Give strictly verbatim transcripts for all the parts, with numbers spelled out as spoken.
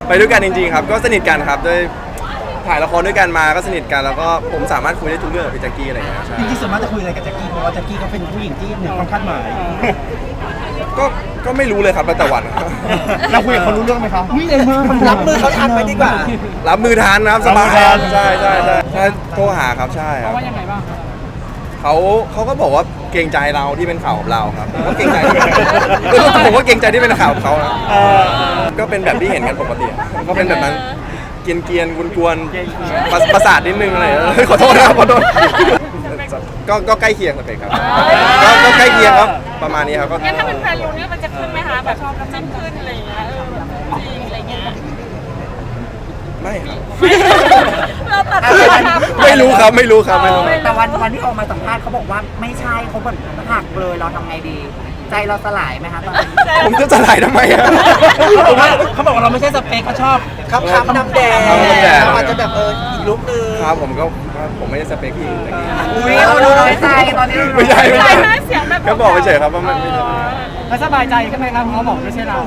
ไปด้วยกันจริงๆครับก็สนิทกันครับด้วยถ่ายละครด้วยกันมาก็สนิทกันแล้วก็ผมสามารถคุยได้ทุกเรื่องกับพี่แจ็คกี้อะไรอย่างเงี้ยใช่จริงๆส่วนมากจะคุยอะไรกับแจ็คกี้เพราะว่าแจ็คกี้เขาเป็นผู้หญิงที่เหนือความคาดหมายก็ก็ไม่รู้เลยครับแล้วแต่วันเราคุยกับเขารู้เรื่องไหมครับไม่เลยมากรับมือเขาทันไปดีกว่ารับมือทานนะครับสบายรับมือทันใช่ใช่ใช่ใช่โทรหาครับใช่ครับว่ายังไงบ้างครับเขาเขาก็บอกว่าเกรงใจเราที่เป็นข่าวกับเราครับผมก็เกรงใจผมก็เกรงใจที่เป็นข่าวกับเขานะก็เป็นแบบที่เห็นกันปกติอะก็เป็นแบบนั้นเกรียนเกียนๆกวนๆประประสาทนิดนึงอะไรอย่างเงี้ยขอโทษนะครับขอโทษก็ก็ใกล้เคียงกันเลยครับก็ก็ใกล้เคียงครับประมาณนี้ครับก็งั้นถ้าเป็นแฟนลุงเนี่ยมันจะขึ้นไหมคะแบบชอบน้ำจิ้มขึ้นอะไรอย่างเงี้ยเออแบบจริงอะไรเงี้ยไม่ครับเราตัดสินครับไม่รู้ครับไม่รู้ครับไม่รู้แต่วันวันที่ออกมาสัมภาษณ์เขาบอกว่าไม่ใช่เขาแบบหักเลยเราทำไงดี ใจเราสลายไหมคะตอนนี้ผมจะสลายทำไมอะเขาบอกว่าเขาบอกว่าเราไม่ใช่สเปคเขาชอบครับครับน้ำแดงน้ำแดงอาจจะแบบเอออีกลุกนึงครับผมก็ผมไม่ได้สเปคพี่อะไรอย่างเงี้ยอุ้ยเราดูน้อยใจตอนนี้เราดูไม่ใช่ไม่ใช่ใช่ไหมเสียงแบบก็บอกเฉยๆครับว่ามันไม่ใช่แล้วสบายใจขึ้นไหมครับเพราะเขาบอกไม่ใช่เรา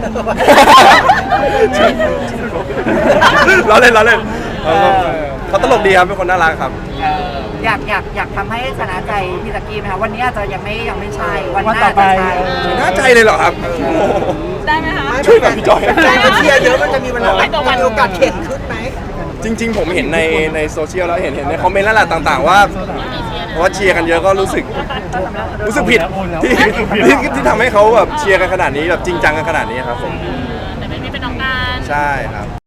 ล้อเล่นล้อเล่นเขาก็เขาตลกดีครับเป็นคนน่ารักครับเอออยากอยากอยากทำให้ชนะใจพี่ตะกี้ไหมคะวันนี้อาจจะยังไม่ยังไม่ใช่วันหวันน้าต่อไปจะใช่น่าใจเลยเหรอครับได้ไหมคะช่วยแบบพี่จอยใจมันเชียร์เยอะมันจะมีเวลามีโอกาสเข็นขึ้นไหมจริง ๆ ผมเห็นในในโซเชียลแล้วเห็นเห็นในคอมเมนต์แล้วแหละต่างๆ ว่าเพราะว่าเชียร์กันเยอะก็รู้สึกรู้สึกผิดที่ที่ที่ทำให้เขาแบบเชียร์กันขนาดนี้แบบจริงจังกันขนาดนี้ครับผมแต่ไม่มีเป็นน้องการใช่ครับ